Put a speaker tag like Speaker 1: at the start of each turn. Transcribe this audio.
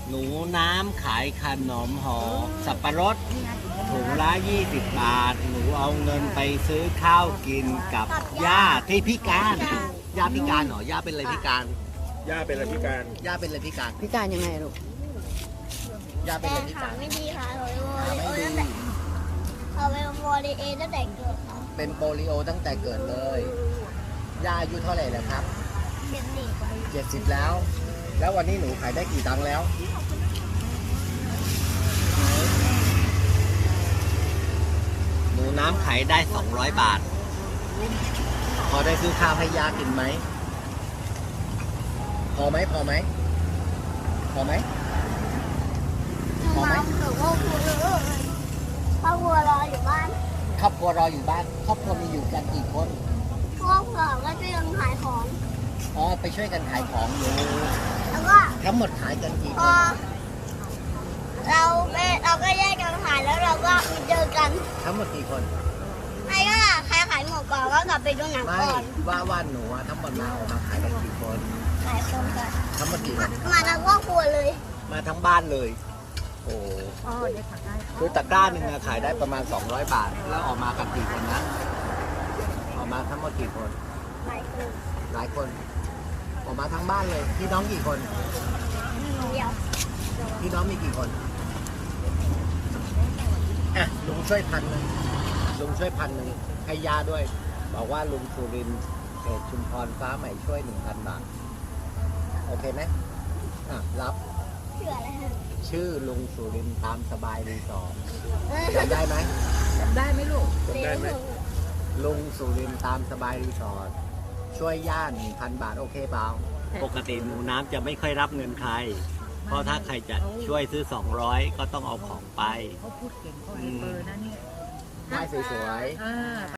Speaker 1: หนูน้ำขายขนมห่อสับปะรดถุงละ20 บาท หนูเอาเงินไปซื้อข้าวกินกับย่าที่พิการย่าพิการเหรอย่าเป็นอะไรพิการ
Speaker 2: ย่าเป็นอะไรพิการ
Speaker 1: ย่าเป็นอะไรพิการ
Speaker 3: พิการยังไงลูก
Speaker 1: ย่าเป็นอะไรพิ
Speaker 4: ขา
Speaker 1: การ
Speaker 4: ไม่ดีค่ะโอ
Speaker 1: ขา
Speaker 4: ริ
Speaker 1: ไม่
Speaker 4: โอ
Speaker 1: ดี
Speaker 4: ตั้งแต่เขาเป็นโอริเอตั้งแต่เกิดค่ะ
Speaker 1: เป็นโปลิโอตั้งแต่เกิดเลยย่าอายุเท่าไหร่แล้วครับ
Speaker 4: เป็นเด็ก
Speaker 1: 70 แล้ว แล้ววันนี้หนูขายได้กี่ตังค์แล้ว หนูน้ำขายได้ 200 บาท พอได้ซื้อข้าวให้ยากินไหม พอไหม พอไหม พอไหม พอไหม
Speaker 4: น้ำหรือว่าครูครอบครัวรออยู่บ้าน
Speaker 1: ครอบครัวรออยู่บ้าน ครอบครัวมีอยู่กันกี่คน
Speaker 4: ครอบครัวก็จะยังขายของ
Speaker 1: อ๋อ ไปช่วยกันขายของอยู่
Speaker 4: แล้วก็
Speaker 1: ทั้งหมดขายกันกี่
Speaker 4: พ
Speaker 1: ค
Speaker 4: อน เราก็แยกกันขายแล้วเราก็เจอกัน
Speaker 1: ทั้งหมดกี่คน
Speaker 4: ใครก็ใครขายหมดก่อนก็กลับไปดูหนัง
Speaker 1: ไม่
Speaker 4: ก่อน
Speaker 1: ว่าหนูอะทั้งหมดมาออกมาขายกันกี่คน
Speaker 4: ขายคนก่อน
Speaker 1: ทั้งหมดกี่คน
Speaker 4: มาทั้งครอบครัวเลย
Speaker 1: มาทั้งบ้านเลย โอ้
Speaker 3: อ๋อเด็กขาได้
Speaker 1: คือตะกร้าหนึ่งอะขายได้ประมาณ 200 บาท แล้วออกมากันกี่คนนะ ออกมาทั้งหมดกี่คน
Speaker 4: ขายคน
Speaker 1: หลายคน ออกมาทั้งบ้านเลย พี่น้องกี่คน
Speaker 4: เดียว
Speaker 1: พี่น้องมีกี่คน อ่ะ ลุงช่วย1,000ลุงช่วย1,000ให้ย่าด้วย บอกว่าลุงสุรินทร์เขตชุมพรฟ้าใหม่ช่วย 1,000 บาท โอเคไหมอ่ะ รับ
Speaker 4: เชื่ออะไรฮะ
Speaker 1: ชื่อลุงสุรินทร์ตามสบายรีสอร์ทจำได้ไหม
Speaker 3: จำได้ไหมลูก
Speaker 2: จำได้ไหม
Speaker 1: ลุงสุรินทร์ตามสบายรีสอร์ทช่วยย่า 1,000 บาท โอเคเปล่า ปกติหนูน้ำจะไม่ค่อยรับเงินใคร เพราะถ้าใครจะช่วยซื้อ 200 ก็ต้องเอาของไป
Speaker 3: เขาพูดเก่งเขาให้เบอร์นะเนี่ย
Speaker 1: ได้สวยๆ
Speaker 3: อ่า